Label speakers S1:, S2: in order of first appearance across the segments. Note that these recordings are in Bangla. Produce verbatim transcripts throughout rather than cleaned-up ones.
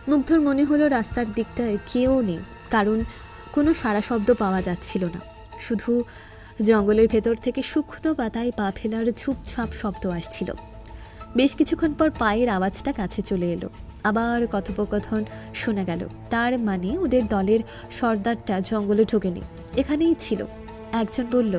S1: মুগ্ধর মনে হলো রাস্তার দিকটায় কেউ নেই, কারণ কোনো সাড়া শব্দ পাওয়া যাচ্ছিল না। শুধু জঙ্গলের ভেতর থেকে শুকনো পাতায় পা ফেলার ঝুপঝাপ শব্দ আসছিল। বেশ কিছুক্ষণ পর পায়ের আওয়াজটা কাছে চলে এলো। আবার কথোপকথন শোনা গেল। তার মানে ওদের দলের সর্দারটা জঙ্গলে ঢোকেনি, এখানেই ছিল। একজন বলল,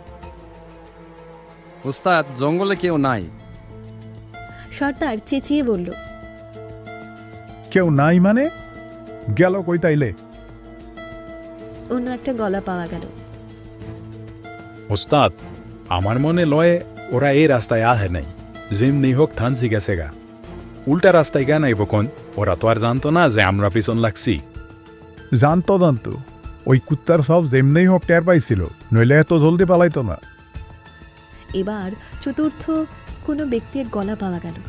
S2: ওস্তাদ, জঙ্গলে কেউ নাই।
S1: সর্দার চেঁচিয়ে বলল,
S3: কেউ নাই মানে? গেল কই তাইলে?
S1: অন্য একটা গলা পাওয়া গেল।
S4: ওস্তাদ, আমার মনে লয় ওরা এই রাস্তায় আহে নাই, যেমনি হোক থানসি গেছে গা। উল্টা রাস্তায় কেন আইব কোন? ওরা তো আর জানতো না যে আমরা পিছন লাগছি।
S3: জানতো জানতো ওই কুত্তার সব যেমনেই হোক টের পাইছিল, নইলে এত জলদি পালাইতো না।
S1: এবার চতুর্থ কোনো ব্যক্তির গলা পাওয়া গেল।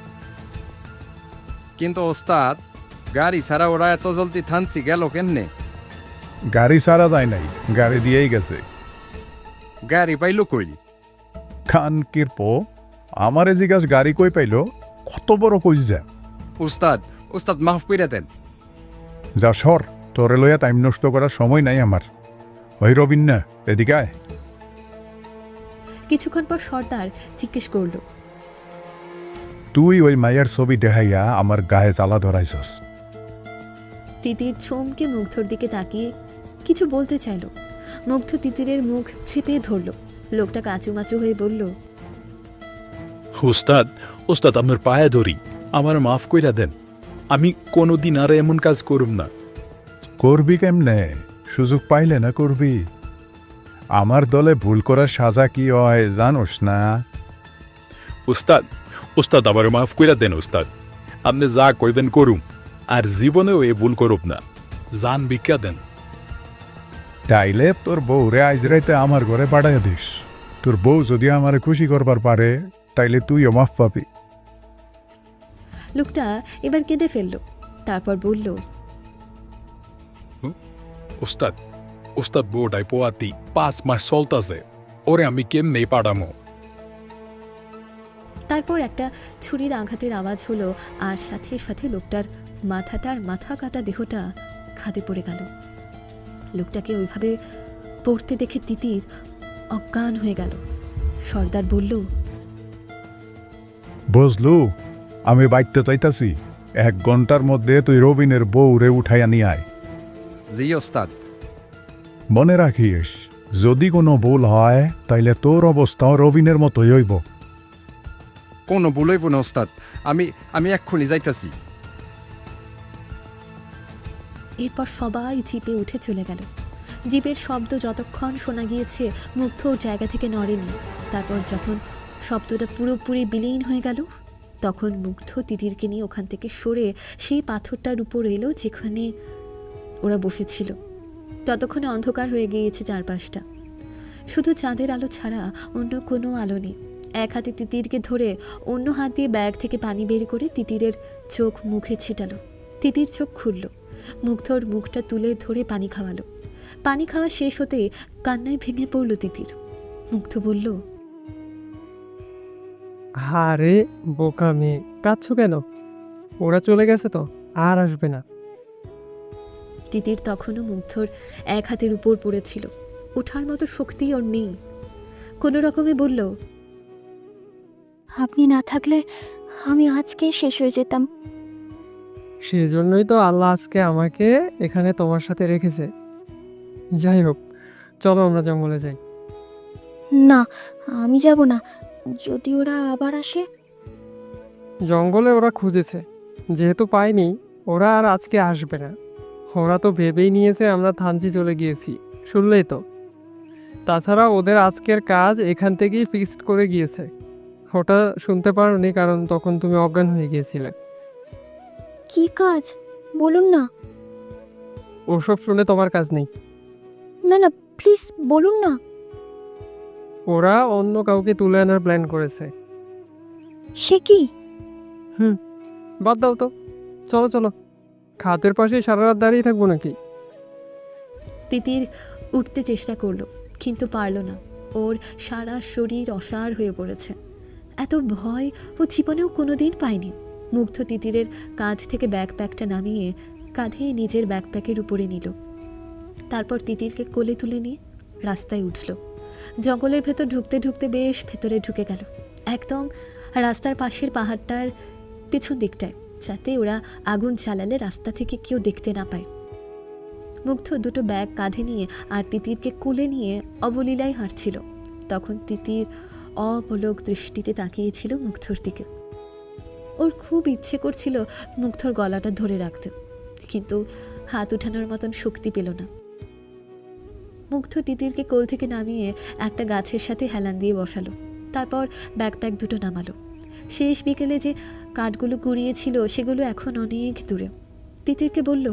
S2: কিন্তু ওস্তাদ, গাড়ি ছাড়া ওরা এত জলদি থানসি গেল কেমনে?
S3: গাড়ি ছাড়া যায় নাই, গাড়ি দিয়েই গেছে।
S2: গাড়ি পাইল কই?
S3: খান কিরপ আমারে জিজ্ঞাস গাড়ি কই পাইল? কত বড় কইস যা।
S2: ওস্তাদ, ওস্তাদ মাফ কইরা দেন।
S3: যা সর, তোরে লইয়া টাইম নষ্ট করার সময় নাই আমার। ওই রবিন না, এদিকে আয়।
S1: কিছুক্ষণ পর সর্দার জিজ্ঞেস করল,
S3: তুই ওই মায়ের ছবি দেখাইয়া আমার গায়ে জ্বালা ধরাইছস।
S1: তিতির চমকে মুগ্ধর দিকে তাকিয়ে কিছু বলতে চাইল। মুগ্ধ তিতিরের মুখ চেপে ধরল। লোকটা কাঁচুমাচু হয়ে বলল,
S4: ওস্তাদ, ওস্তাদ আপনার পায়ে ধরি, আমার মাফ কইরা দেন। আমি কোনোদিন আর এমন কাজ করুম না।
S3: করবি কেমনে? সুযোগ পাইলে না করবি। আমার দলে ভুল করার সাজা কি হয় জানোস না?
S4: উস্তাদ, উস্তাদ আমার মাফ কইরা দেন উস্তাদ। আপনি যা কইবেন করুম, আর জীবনেও এ ভুল করুম না। জান ভিক্ষা দেন।
S3: তাইলে তোর বউরে আইজ রাইতে আমার ঘরে পাঠাইয়া দিস। তোর বউ যদি আমারে খুশি করবার পারে, তাইলে তুইও মাফ পাবি।
S1: লোকটা এবার কেঁদে ফেলল। তারপর বলল,
S4: উস্তাদ, উস্তাদ বউটাই পোয়াতি পাঁচ মাস চলতাছে, ওরে আমি কেমনে পাঠামো?
S1: তারপর একটা ছুরির আঘাতের আওয়াজ হলো, আর সাথে সাথে লোকটার মাথাটার মাথা কাটা দেহটা খাদে পড়ে গেল। লোকটাকে ওইভাবে পড়তে দেখে তিতির অজ্ঞান হয়ে গেল। সর্দার বলল,
S3: বুঝলু, আমি বাইতে চাইতাছি, এক ঘন্টার মধ্যে তুই রবিনের বউরে উঠাইয়া নিয়ে আয়।
S2: জি ওস্তাদ।
S3: মনে রাখিস, যদি কোনো ভুল হয় তাইলে তোর অবস্থাও রবিনের মতোই হইব।
S2: কোনো ভুল হইব না ওস্তাদ, আমি আমি এক্ষুনি যাইতাছি।
S1: এরপর সবাই জিপে উঠে চলে গেল। জিপের শব্দ যতক্ষণ শোনা গিয়েছে, মুগ্ধ ওর জায়গা থেকে নড়েনি। তারপর যখন শব্দটা পুরোপুরি বিলীন হয়ে গেল, তখন মুগ্ধ তিতিরকে নিয়ে ওখান থেকে সরে সেই পাথরটার উপর এলো যেখানে ওরা বসেছিল। ততক্ষণে অন্ধকার হয়ে গিয়েছে চারপাশটা, শুধু চাঁদের আলো ছাড়া অন্য কোনো আলো নেই। এক হাতে তিতিরকে ধরে অন্য হাত দিয়ে ব্যাগ থেকে পানি বের করে তিতিরের চোখ মুখে ছিটালো। তিতির চোখ খুলল। মুগ্ধর মুখটা তুলে ধরে পানি খাওয়ালো। পানি খাওয়া শেষ হতে কান্নায় ভেঙে পড়ল তিতির। মুগ্ধ বলল,
S5: আরে বোকা মেয়ে, কাঁদছো কেন? ওরা চলে গেছে তো, আর আসবে না।
S1: তিতির তখনও মুগ্ধর এক হাতের উপর পড়েছিল। ওঠার মতো শক্তি ওর নেই। কোনো রকমে বলল,
S6: আপনি না থাকলে আমি আজকেই শেষ হয়ে যেতাম।
S5: সেজন্যই তো আল্লাহ আজকে আমাকে এখানে তোমার সাথে রেখেছে। যাই হোক, চলো আমরা জঙ্গলে যাই।
S6: না, আমি যাব না। যদি ওরা আবার আসে?
S5: জঙ্গলে ওরা খুঁজেছে, যেহেতু পায়নি, ওরা আর আজকে আসবে না। ওরা তো ভেবেই নিয়েছে আমরা থানচি চলে গিয়েছি, শুনলেই তো। তাছাড়া ওদের আজকের কাজ এখান থেকেই ফিক্সড করে গিয়েছে। ওটা শুনতে পারোনি, কারণ তখন তুমি অজ্ঞান হয়ে গিয়েছিলে।
S6: কি কাজ বলুন না।
S5: ওসব শুনে তোমার কাজ নেই।
S6: না না, প্লিজ বলুন না।
S5: ওরা অন্য কাউকে তুলে আনার প্ল্যান করেছে।
S6: সে কি?
S5: হুম, বাদ দাও তো, চলো চলো। খাতের পাশে সারা রাত দাঁড়িয়ে থাকবো নাকি?
S1: তিতির উঠতে চেষ্টা করলো, কিন্তু পারল না। ওর সারা শরীর অসাড় হয়ে পড়েছে। এত ভয় ও জীবনেও কোনোদিন পায়নি। মুগ্ধ তিতিরের কাঁধ থেকে ব্যাকপ্যাকটা নামিয়ে কাঁধে নিজের ব্যাকপ্যাকের উপরে নিল। তারপর তিতিরকে কোলে তুলে নিয়ে রাস্তায় উঠল। জঙ্গলের ভেতর ঢুকতে ঢুকতে বেশ ভেতরে ঢুকে গেল, একদম রাস্তার পাশের পাহাড়টার পিছন দিকটায়, যাতে ওরা আগুন জ্বালালে রাস্তা থেকে কেউ দেখতে না পায়। মুগ্ধ দুটো ব্যাগ কাঁধে নিয়ে আর তিতিরকে কোলে নিয়ে অবলীলায় হাঁটছিল। তখন তিতির অপলক দৃষ্টিতে তাকিয়েছিল মুগ্ধর দিকে। ওর খুব ইচ্ছে করছিল মুগ্ধর গলাটা ধরে রাখতে, কিন্তু হাত উঠানোর মতন শক্তি পেল না। মুগ্ধ তিতিরকে কোল থেকে নামিয়ে একটা গাছের সাথে হেলান দিয়ে বসালো। তারপর ব্যাকপ্যাক দুটো নামালো। শেষ বিকেলে যে কাঠগুলো কুড়িয়েছিল সেগুলো এখন অনেক দূরে। তিতিরকে বলল,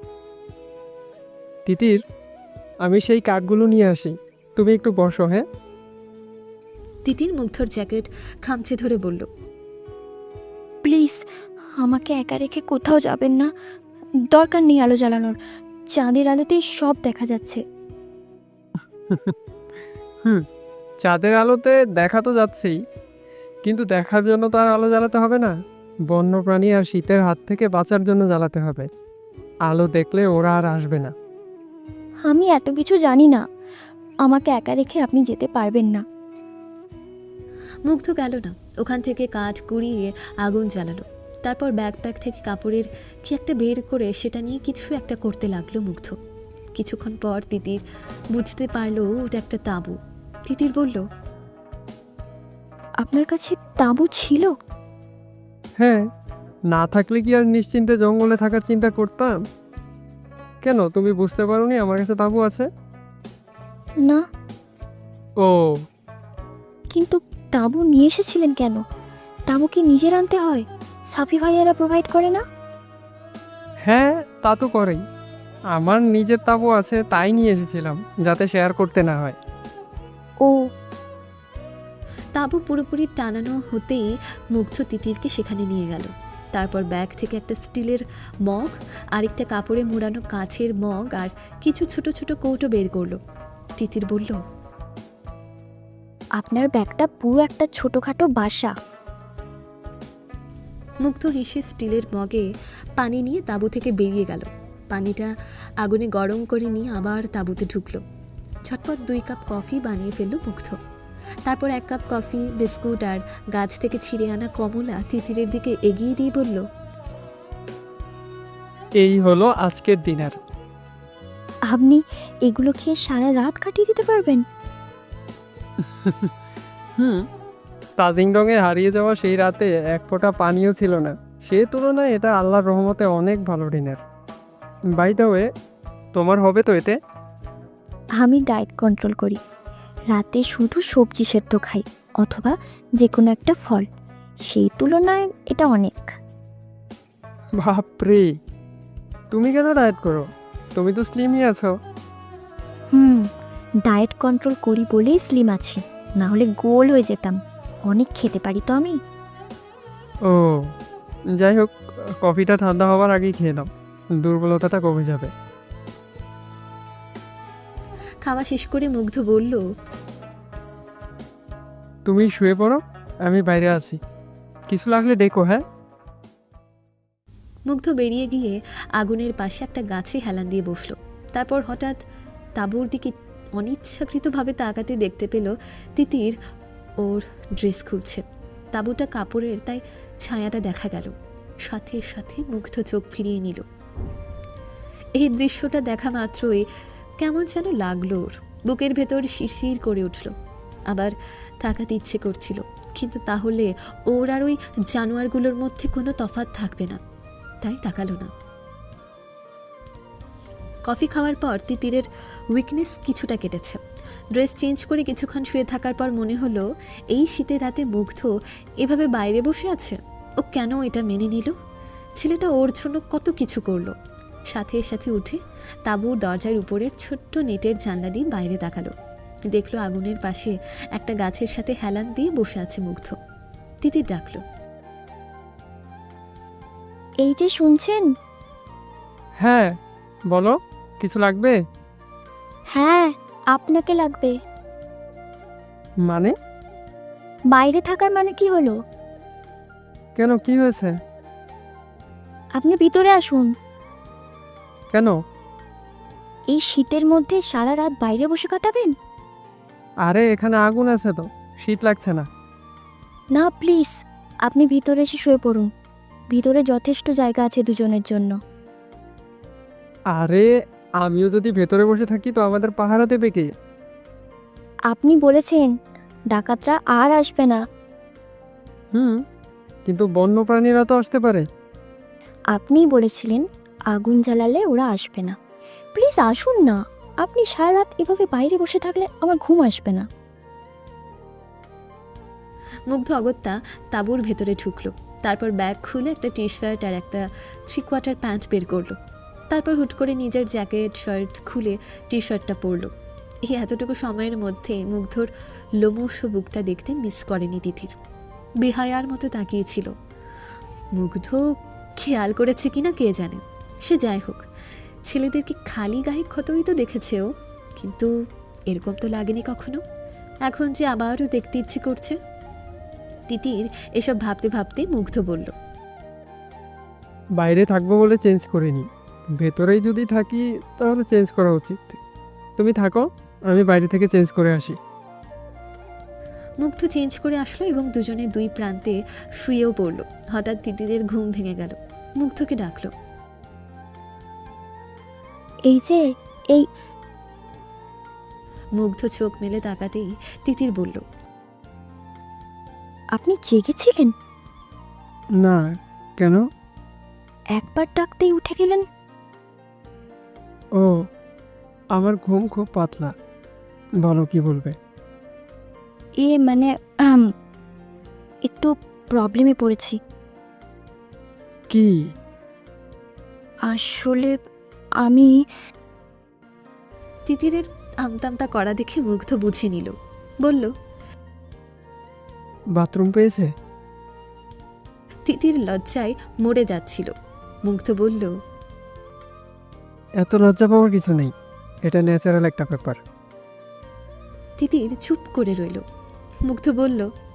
S5: তিতির, আমি সেই কাঠগুলো নিয়ে আসি, তুমি একটু বসো। হ্যাঁ।
S1: তিতির মুগ্ধর জ্যাকেট খামচে ধরে বলল,
S6: প্লিজ আমাকে একা রেখে কোথাও যাবেন না। দরকার নেই আলো জ্বালানোর, চাঁদের আলোতেই সব দেখা যাচ্ছে।
S5: হুম, চাঁদের আলোতে দেখা তো যাচ্ছেই, কিন্তু দেখার জন্য তো আর আলো জ্বালাতে হবে না। বন্যপ্রাণী আর শীতের হাত থেকে বাঁচার জন্য জ্বালাতে হবে। আলো দেখলে ওরা আর আসবে না।
S6: আমি এত কিছু জানি না, আমাকে একা রেখে আপনি যেতে পারবেন না।
S1: মুগ্ধ গেল না। ওখান থেকে কাঠ কুড়িয়ে আগুন জ্বালালো। তারপর ব্যাকপ্যাক থেকে কাপড়ের কি একটা বের করে সেটা নিয়ে কিছু একটা করতে লাগলো মুগ্ধ। কিছুক্ষণ পর তিতির বুঝতে পারলো ওটা একটা তাঁবু। তিতির বলল,
S6: আপনার কাছে তাঁবু ছিল?
S5: হ্যাঁ, না থাকলে কি আর নিশ্চিন্তে জঙ্গলে থাকার চিন্তা করতাম? কেন, তুমি বুঝতে পারোনি আমার কাছে তাঁবু আছে?
S6: না,
S5: ও,
S6: কিন্তু তাঁবু নিয়ে এসেছিলেন কেন? তাঁবু কি নিজের আনতে হয়? সাফি ভাইয়ারা প্রোভাইড করে না?
S5: হ্যাঁ, তা তো করেই। আমার নিজের তাঁবু আছে, তাই নিয়ে এসেছিলাম, যাতে শেয়ার করতে না হয়।
S6: ও,
S1: তাঁবু পুরোপুরি টানানো হতেই মুগ্ধ তিতিরকে সেখানে নিয়ে গেল। তারপর ব্যাগ থেকে একটা স্টিলের মগ, আরেকটা কাপড়ে মোড়ানো কাচের মগ আর কিছু ছোট ছোট কৌটো বের করলো। তিতির বলল,
S6: আপনার ব্যাগটা পুরো একটা ছোটোখাটো বাসা।
S1: মুগ্ধ হেসে স্টিলের মগে পানি নিয়ে তাঁবু থেকে বেরিয়ে গেল। পানিটা আগুনে গরম করে নিয়ে আবার তাঁবুতে ঢুকলো। ঝটপট দুই কাপ কফি বানিয়ে ফেলল মুগ্ধ। তারপর এক কাপ কফি, বিস্কুট আর গাছ থেকে ছিঁড়ে আনা কমলা তিতিরের দিকে এগিয়ে দিয়ে বলল,
S5: এই হলো আজকের ডিনার।
S6: আপনি এগুলো খেয়ে সারা রাত কাটিয়ে দিতে পারবেন?
S5: হুম, তাজিং রঙে হারিয়ে যাওয়া সেই রাতে এক ফোঁটা পানিও ছিল না। সে তুলনায় এটা আল্লাহর রহমতে অনেক ভালো ডিনার। বাই দ্য ওয়ে, তোমার হবে তো এতে?
S6: আমি ডায়েট কন্ট্রোল করি, রাতে শুধু সবজি সেদ্ধ খাই অথবা যে কোনো একটা ফল। সেই তুলনায় এটা অনেক।
S5: বাপরে, তুমি কেন ডায়েট করো? তুমি তো স্লিমই আছো।
S6: হুম, ডায়েট কন্ট্রোল করি বলেই স্লিম আছি, না হলে গোল হয়ে যেতাম। অনেক খেতে পারি তো আমি।
S5: ও, যাই হোক, কফিটা ঠান্ডা হওয়ার আগেই খেয়ে নাও, দুর্বলতাটা কমে যাবে।
S1: খাওয়া শেষ করে মুগ্ধ বলল,
S5: তুমি শুয়ে পড়ো, আমি বাইরে আছি, কিছু লাগলে ডেকো। হ্যাঁ।
S1: মুগ্ধ বেরিয়ে গিয়ে আগুনের পাশে একটা গাছে হেলান দিয়ে বসলো। তারপর হঠাৎ তাঁবুর দিকে অনিচ্ছাকৃতভাবে তাকাতে দেখতে পেল তিতির ওর ড্রেস খুলছে। তাঁবুটা কাপড়ের, তাই ছায়াটা দেখা গেল। সাথে সাথে মুগ্ধ চোখ ফিরিয়ে নিল। এই দৃশ্যটা দেখা মাত্রই কেমন যেন লাগলো ওর। বুকের ভেতর শিরশির করে উঠল। আবার তাকাতে ইচ্ছে করছিল, কিন্তু তাহলে ওর আর ওই জানোয়ারগুলোর মধ্যে কোনো তফাৎ থাকবে না, তাই তাকালো না। কফি খাওয়ার পর তিতিরের উইকনেস কিছুটা কেটেছে। ড্রেস চেঞ্জ করে কিছুক্ষণ শুয়ে থাকার পর মনে হলো এই শীতের রাতে মুগ্ধ এভাবে বাইরে বসে আছে। ও কেন এটা মেনে নিল? ছেলেটা ওর জন্য কত কিছু করলো। সাথে সাথে উঠে তাঁবুর দরজার উপরের ছোট্ট নেটের জানলা দিয়ে বাইরে তাকালো। দেখলো আগুনের পাশে একটা গাছের সাথে হেলান দিয়ে বসে আছে মুগ্ধ। তিতির ডাকলো,
S6: এই যে শুনছেন?
S5: হ্যাঁ, বলো, কিছু লাগবে?
S6: হ্যাঁ, আপনাকে লাগবে।
S5: মানে?
S6: বাইরে থাকার মানে কি হলো?
S5: কেন, কি হয়েছে?
S6: আপনি ভিতরে আসুন।
S5: কেন?
S6: এই শীতের মধ্যে সারা রাত বাইরে বসে কাটাবেন?
S5: আরে এখানে আগুন আছে তো, শীত লাগছে না।
S6: না প্লিজ, আপনি ভিতরে এসে শুয়ে পড়ুন। ভিতরে যথেষ্ট জায়গা আছে দুজনের জন্য।
S5: আরে আমিও যদি ভেতরে বসে থাকি তো আমাদের পাহারা দেবে কে?
S6: আপনি বলেছেন ডাকাতরা আর আসবে না।
S5: হুম, কিন্তু বন্য প্রাণীরা তো আসতে পারে।
S6: আপনিই বলেছিলেন আগুন জ্বালালে ওরা আসবে না। প্লিজ আসুন না। আপনি সারা রাত এভাবে বাইরে বসে থাকলে আমার ঘুম আসবে না।
S1: মুগ্ধ অগত্যা তাঁবুর ভেতরে ঢুকলো। তারপর ব্যাগ খুলে একটা টি শার্ট আর একটা থ্রি কোয়ার্টার প্যান্ট বের করলো। তারপর হুট করে নিজের জ্যাকেট শার্ট খুলে টি শার্টটা পরলো। এই এতটুকু সময়ের মধ্যে মুগ্ধর লোমশ বুকটা দেখতে মিস করেনি তিথির। বেহায়ার মতো তাকিয়েছিল। মুগ্ধ খেয়াল করেছে কিনা কে জানে। সে যাই হোক, ছেলেদেরকে খালি গায়ে ক্ষতই তো দেখেছে ও, কিন্তু এরকম তো লাগেনি কখনো। এখন যে আবারও দেখতে ইচ্ছে করছে। তিতির এসব ভাবতে ভাবতে মুগ্ধ বলল,
S5: বাইরে থাকবো বলে চেঞ্জ করিনি, ভেতরেই যদি থাকি তাহলে চেঞ্জ করা উচিত। তুমি থাকো, আমি বাইরে থেকে চেঞ্জ করে আসি।
S1: মুগ্ধ চেঞ্জ করে আসলো এবং দুজনে দুই প্রান্তে শুয়েও পড়ল। হঠাৎ তিতিরের ঘুম ভেঙে গেল। মুগ্ধকে ডাকলো।
S6: এই যে এই
S1: মুগ্ধ চোখ মেলে তাকাতেই তিতির বলল,
S6: আপনি জেগেছিলেন?
S5: না, কেন?
S6: একবার ডাকতেই উঠে গেলেন।
S5: ও, আমার ঘুম খুব পাতলা। বলো কি বলবে?
S6: এ মানে আম, একটু প্রবলেমে পড়েছি।
S5: কি?
S6: আসলে আমি
S1: তিতিরের আমতামতা করা দেখে মুগ্ধ বুঝে নিল। বলল,
S5: বাথরুম পেয়েছে?
S1: তিতির লজ্জায় মরে যাচ্ছিল। মুগ্ধ বলল,
S5: এত লজ্জা পাওয়ার কিছু নেই, এটা ন্যাচারাল একটা ব্যাপার।
S1: তিতির চুপ করে রইল। মুগ্ধ বলল,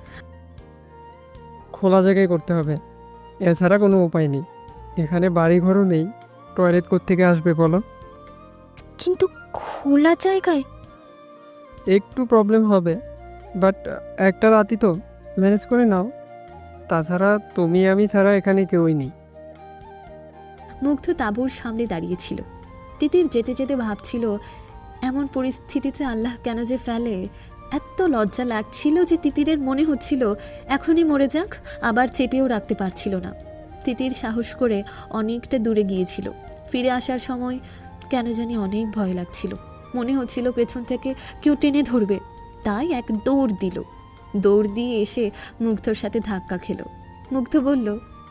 S5: খোলা জায়গায় করতে হবে, এছাড়া কোনো উপায় নেই। এখানে বাড়ি ঘরও নেই, টয়লেট কোত্থেকে আসবে বলো?
S6: কিন্তু খোলা জায়গায়
S5: একটু প্রবলেম হবে, বাট একটা রাতই তো, ম্যানেজ করে নাও। তাছাড়া তুমি আমি ছাড়া এখানে কেউই নেই।
S1: মুগ্ধ তাঁবুর সামনে দাঁড়িয়েছিল। তিতির যেতে যেতে ভাবছিল, এমন পরিস্থিতিতে আল্লাহ কেন যে ফেলে। এত লজ্জা লাগছিল যে তিতিরের মনে হচ্ছিল এখনই মরে যাক, আবার চেপেও রাখতে পারছিল না। তিতির সাহস করে অনেকটা দূরে গিয়েছিল। ফিরে আসার সময় কেন জানি অনেক ভয় লাগছিল। মনে হচ্ছিল পেছন থেকে কেউ টেনে ধরবে। তাই এক দৌড় দিল। দৌড় দিয়ে এসে মুগ্ধর সাথে ধাক্কা খেলো। মুগ্ধ বলল,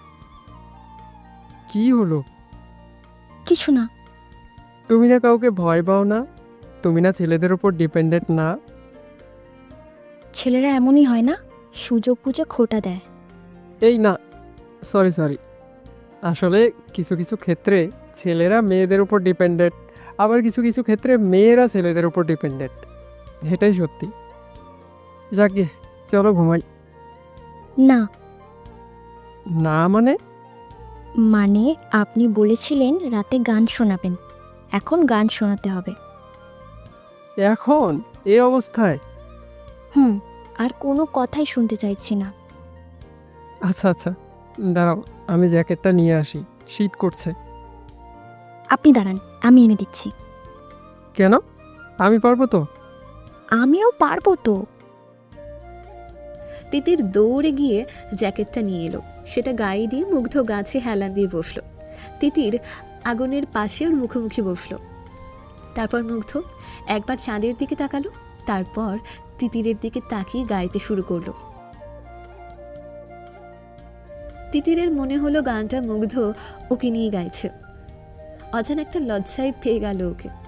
S5: কি হলো?
S6: কিছু না।
S5: তুমি না কাউকে ভয় পাও না? তুমি না ছেলেদের উপর ডিপেন্ডেন্ট না?
S6: ছেলেরা এমনই হয় না, সুযোগ বুঝে খোটা দেয়।
S5: এই না, সরি সরি, আসলে কিছু কিছু ক্ষেত্রে ছেলেরা মেয়েদের উপর ডিপেন্ডেন্ট, আবার কিছু কিছু ক্ষেত্রে মেয়েরা ছেলেদের উপর ডিপেন্ডেন্ট। এটাই সত্যি। যাকে, চলো ঘুমাই।
S6: না
S5: না মানে?
S6: মানে আপনি বলেছিলেন রাতে গান শোনাবেন, এখন গান শোনাতে হবে।
S5: এখন এই অবস্থায়?
S6: হুম, আর কোনো কথাই শুনতে চাইছি না।
S5: আচ্ছা আচ্ছা, দাঁড়াও, আমি জ্যাকেটটা নিয়ে আসি, শীত করছে।
S6: আপনি দাঁড়ান, আমি এনে দিচ্ছি।
S5: কেন? আমি পারবো তো।
S6: আমিও পারবো তো।
S1: তিতির দৌড়ে গিয়ে জ্যাকেটটা নিয়ে এলো। সেটা গায়ে দিয়ে মুগ্ধ গাছে হেলান দিয়ে বসলো। তিতির আগুনের পাশে ওর মুখোমুখি বসলো। তারপর মুগ্ধ একবার চাঁদের দিকে তাকালো, তারপর তিতিরের দিকে তাকিয়ে গাইতে শুরু করলো। তিতিরের মনে হলো গানটা মুগ্ধ ওকে নিয়ে গাইছে। অজানা একটা লজ্জায় পেয়ে গেল ওকে।